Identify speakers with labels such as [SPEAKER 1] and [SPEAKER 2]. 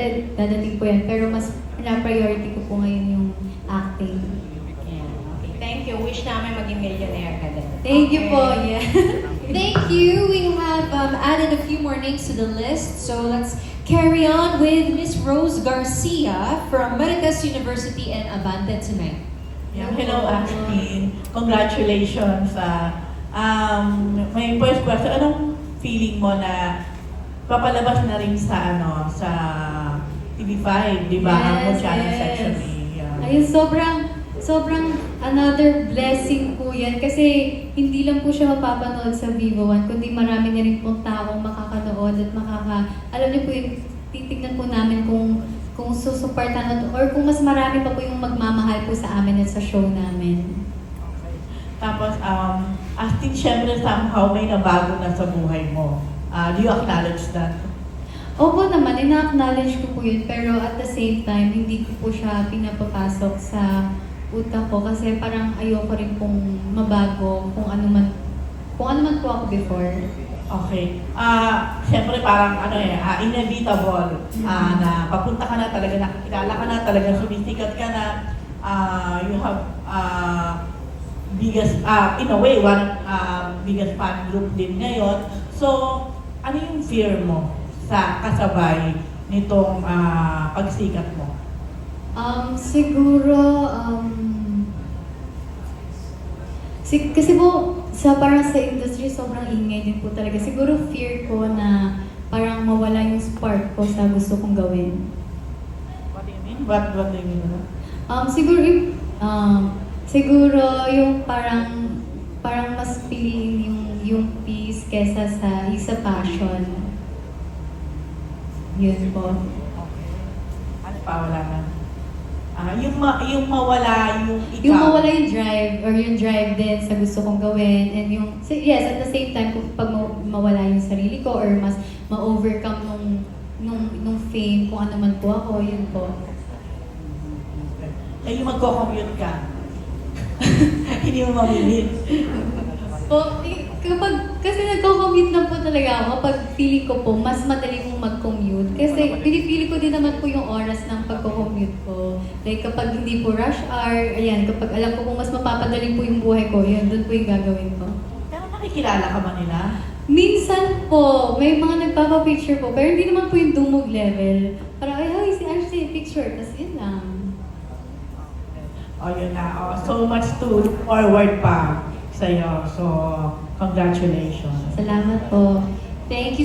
[SPEAKER 1] dadating po yan. Pero mas na-priority ko po ngayon yung acting.
[SPEAKER 2] Yeah. Okay, thank you. Wish namin maging millionaire ka din.
[SPEAKER 1] Thank you po, yeah.
[SPEAKER 3] Thank you. We have added a few more names to the list. So let's carry on with Miss Rose Garcia from Marites University and Abante tonight.
[SPEAKER 4] Yeah, hello, Ashley. Congratulations. May first question, anong feeling mo na papalabas na rin sa sa TV5, di ba? Ang
[SPEAKER 1] Yes,
[SPEAKER 4] channel
[SPEAKER 1] yes.
[SPEAKER 4] section A.
[SPEAKER 1] Ayun, sobrang another blessing po yan. Kasi hindi lang po siya mapapanood sa Vivo One, kundi marami na rin pong taong makakanood at alam niyo po yung titignan po namin kung susuportan or kung mas marami pa po yung magmamahal po sa amin at sa show namin.
[SPEAKER 4] Okay. Tapos, asking syempre somehow may nabago na sa buhay mo. Do you acknowledge that?
[SPEAKER 1] Opo naman, ina-acknowledge ko po yun, pero at the same time, hindi ko po siya pinapapasok sa utak ko kasi parang ayoko rin pong mabago kung ano man po ako before.
[SPEAKER 4] Okay. Siyempre parang inevitable na papunta ka na talaga, nakikilala ka na talaga, sumisikat ka na, you have biggest, in a way, one biggest fan group din ngayon. So, ano yung fear mo sa kasabay nitong pagsikat mo?
[SPEAKER 1] Siguro, kasi po, parang sa industry, sobrang ingay din po talaga. Siguro fear ko na parang mawala yung spark ko sa gusto kong gawin.
[SPEAKER 4] What do you mean? What do you mean?
[SPEAKER 1] Siguro yung parang mas piliin yung peace kesa sa passion. Yun po.
[SPEAKER 4] Okay. Ano pa wala na? Yung mawala yung ikaw.
[SPEAKER 1] Yung mawala yung drive din sa gusto kong gawin, and yes, at the same time, kung pag mawala yung sarili ko or mas ma-overcome nung fame, kung ano man po ako, yun po.
[SPEAKER 4] Yung magko-commute ka. Hindi mo mamilit.
[SPEAKER 1] Kasi nagko-commute lang po talaga ako kapag feeling ko po, mas madali kong mag-commute. Kasi pinipili ko din naman po yung oras ng pagko-commute ko. Like kapag hindi po rush hour, ayan, kapag alam ko kung mas mapapadali po yung buhay ko, yun, doon po yung gagawin ko.
[SPEAKER 4] Pero nakikilala ka ba nila?
[SPEAKER 1] Minsan po, may mga nagpapapicture po, pero hindi naman po yung dumog level. Parang, ay, si Ashley, picture, tapos yun lang.
[SPEAKER 4] Oh, yun na. So much to look forward pa sa'yo. So, congratulations.
[SPEAKER 1] Salamat po. Thank you.